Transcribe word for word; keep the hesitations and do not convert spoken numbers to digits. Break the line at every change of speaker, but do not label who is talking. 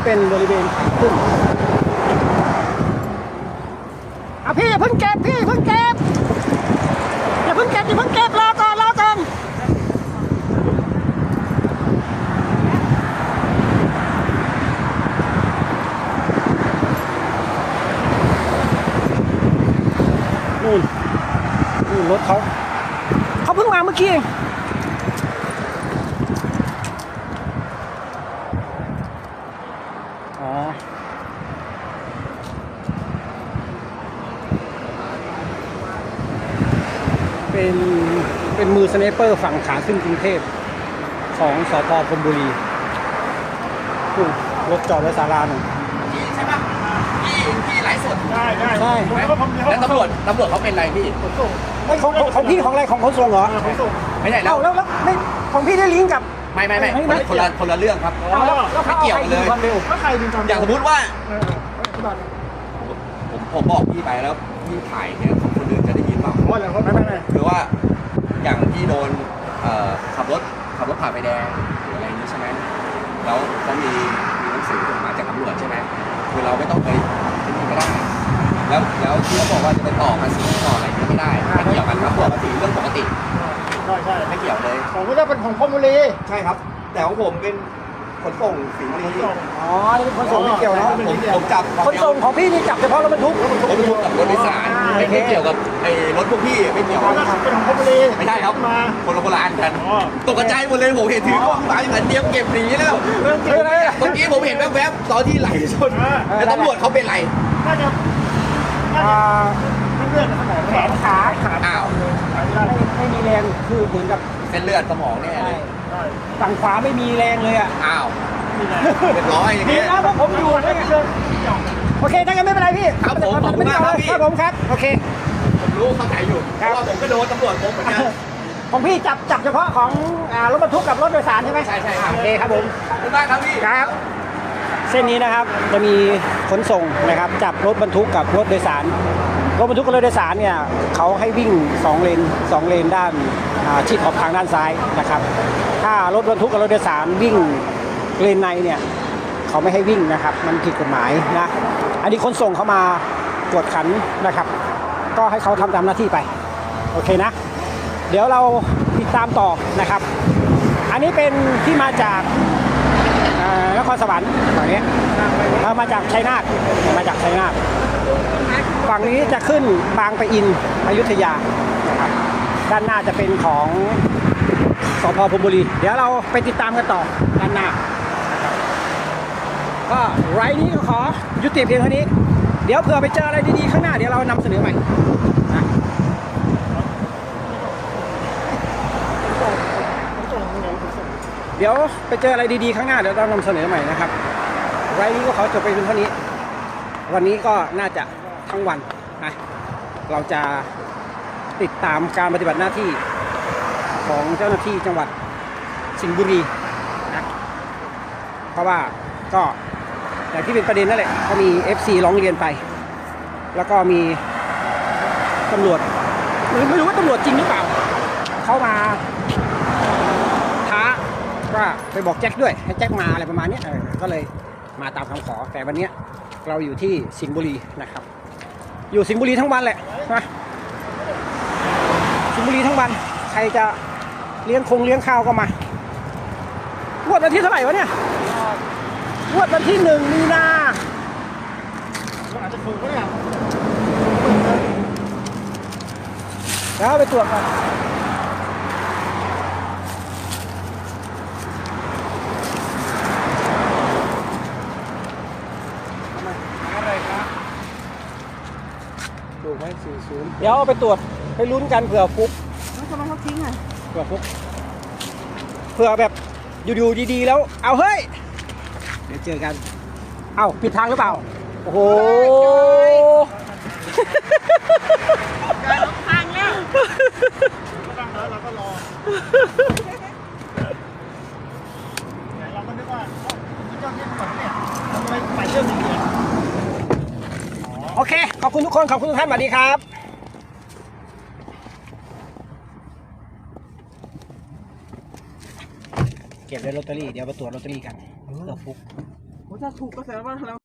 เป็นบริเวณขึ้นอ่ะพี่อย่าเพิ่งเก็บพี่เพิ่งเก็บอย่าเพิ่งเก็บอย่าเพิ่งเก็บรอก่อนรอก่อนนู่นนู่นรถเขาเขาเพิ่งมาเมื่อกี้เองอ๋อเป็นเป็นมือสไนเปอร์ฝั่งขาขึ้นกรุงเทพของสพพรหมบุรีนู่นรถจอดไว้ศาลาหนึ่ง
ใช่ปะพี่พี่ไลฟ์สด
ได้ได้
ใช่
แล้วตำรวจตำรวจเขาเป็นไรพี่
ขนส่ง
ไม่ของของของพี่ของอะไรของขนส่งเหรอ
ขนส่ง
ไม่ใช่แล้
เอ้าว แล้วแล้วไม่ของพี่ได้ลิงก์กับ
ไม่ไม่ไม่
ไม่
คน
ไม่
ละคนละคนละเรื่องครับ
เอาแล้วแล้วเขา
ไม่เกี่ยวกันเลย
อาใครดูความเร็ว
แล้วใครดึงความ
อย่างสมมติว่า
เออเออ
ผมผมบอกพี่ไปแล้วพี่ถ่ายเนี่ยคนอื่นจะได้ยินเปล่า
ว่าแล้วเขาไม่ไม่ไม่
คือว่าอย่างพี่โดนเอ่อขับรถขับรถผ่านไฟแดงหรืออะไรนี้ใช่ไหมแล้วเขามีมีหนังสือมาจากตำรวจใช่ไหมคือเราไม่ต้องไปที่นี่ก็ได้แล้วแล้วที่เขาบอกว่าจะไปต่อภาษีต่ออะไรนี่ไม่ได้ไม่เกี่ยวกันครับภาษีเรื่องปกติ
ใช่ใช่
ไม่เกี่ยวเลย
ของก็จะเป็นของพรหมบุรี
ใช่ครับ แต่ของผมเป็นขนส่งสิงห์บุ
ข
รี
นส่ง
อ๋อนี่เป็นขนส่งไม่เกี่ยวเนาะ
ผมผมจับ
ขนส่งของพี่นี่จับเฉพาะรถบรรทุก
รถบรรทุกกับรถโดยสารไม่ไม่เกี่ยวกับไอ้รถพวกพี่ไม่เกี่ยว
ของก็เป็นของพรหมบุรี
ไม่ใช่ครับ
มา
คนละคนละอันกัน
อ๋อ
ตกใจหมดเลยผมเห็นถือกล้องมาอย่างนั้นเตรียมเก็บหนีแล้ว
เรื่องเกี่ยวอะไรอ่ะ
เมื่อกี้ผมเห็นแวบๆตอนที่ไหลชน
อ่า
แล้วตำรวจเขาเป็นไร
น่าจะน่า
อ่า
จะเลือดในสมอง
แขนขา
ขา
อ้าว
ขาไม่ได้
ไม่ไม่มีแรงคือเหมือนกับ
เส้นเลือดสมองแน่เลย
ใช่
ฝั่งขวาไม่มีแรงเลยอ่ะ
อ้าว
นี่แหละ
เรียบร้อยอย่าง
ดี
เงี้ย
นะเพราะผมอยู่ด้วยไง
เรื่องเกี่ยว
โอเคถ้างั้นไม่เป็นไรพี่
ครับผมขอบคุณมากครับพี่
ครับผมครับโอเค
ผมรู้เข้าใจอยู่เพ
ครับ
ราะว่าผมก็โดนตำรวจผมเหมือนกัน
ของพี่จับจับเฉพาะของอ่ารถบรรทุกกับรถโดยสารใช่ไหม
ใช่ใช่ครับ
โอเคครับผม
ขอบคุณมากครับพี่
ครับเส้นนี้นะครับจะมีขนส่งนะครับจับรถบรรทุกกับรถโดยสารรถบรรทุกกับรถโดยสารเนี่ยเขาให้วิ่งสองเลนสองเลนด้านอ่าชิดขอบทางด้านซ้ายนะครับถ้ารถบรรทุกกับรถโดยสารวิ่งเลนในเนี่ยเขาไม่ให้วิ่งนะครับมันผิดกฎหมายนะอันนี้ขนส่งเขามากวดขันนะครับก็ให้เขาทำตามหน้าที่ไปโอเคนะเดี๋ยวเราติดตามต่อนะครับอันนี้เป็นที่มาจากอ่านครสวรรค์ฝั่งนี้เรามาจากชัยนาทมาจากชัยนาทฝั่งนี้จะขึ้นบางปะอินอยุธยานะครับด้านหน้าจะเป็นของสพพรหมบุรีเดี๋ยวเราไปติดตามกันต่อด้านหน้านะครับก็ไลฟ์นี้ก็ขอยุติเพียงเท่านี้เดี๋ยวเผื่อไปเจออะไรดีๆข้างหน้าเดี๋ยวเรานำเสนอใหม่นะ
ขนส่งขนส่งขนส่ง
เดี๋ยวไปเจออะไรดีๆข้างหน้าเดี๋ยวเรานำเสนอใหม่นะครับไลฟ์นี้ก็ขอจบไปเพียงเท่านี้วันนี้ก็น่าจะทั้งวันนะเราจะติดตามการปฏิบัติหน้าที่ของเจ้าหน้าที่จังหวัดสิงห์บุรีนะเพราะว่าก็อย่างที่เป็นประเด็นนั่นแหละก็มี เอฟ ซี ร้องเรียนไป แล้วก็มีตำรวจไม่ไม่รู้ว่าตำรวจจริงหรือเปล่าเขามาท้าว่าไปบอกแจ็คด้วยให้แจ็คมาอะไรประมาณนี้เออก็เลยมาตามคำขอแต่วันนี้เราอยู่ที่สิงห์บุรีนะครับอยู่สิงห์บุรีทั้งวันแหละนะสิงห์บุรีทั้งวันใครจะเลี้ยงคงเลี้ยงข้าวก็มางวดวันที่เท่าไหร่วะเนี่ยงวดวันที่หนึ่งมีนา
มันอาจจะถูกก็ได้
แล้วไปตรวจก่อนอะไรครับถูกไหมสี่ศูนย์เดี๋ยวเอาไปตรวจไปลุ้นกันเผื่อฟุก
แล้วทำไมเขาทิ้งอ่ะ
เผื่อฟุกเผื่อแบบอยู่ๆดีๆแล้วเอาเฮ้ยเดี๋ยวเจอกันเอ้าผิดทางหรือเปล่าโอ้โห
การลงทางแล้ว
ก็ตั้งแล้วเราก็รอเราก็นึกว่าเจ้าที่ตำรวจเนี่ยทำไมไปเรื่องนี้เนี่ย
โอเคขอบคุณทุกคนขอบคุณทุกท่านสวัสดีครับเก็บได้ลอตเตอรี่เดี๋ยวไปตรวจลอตเตอรี่กันเผื่อฟุก
ถ้าถูกก็แสดงว่าเรา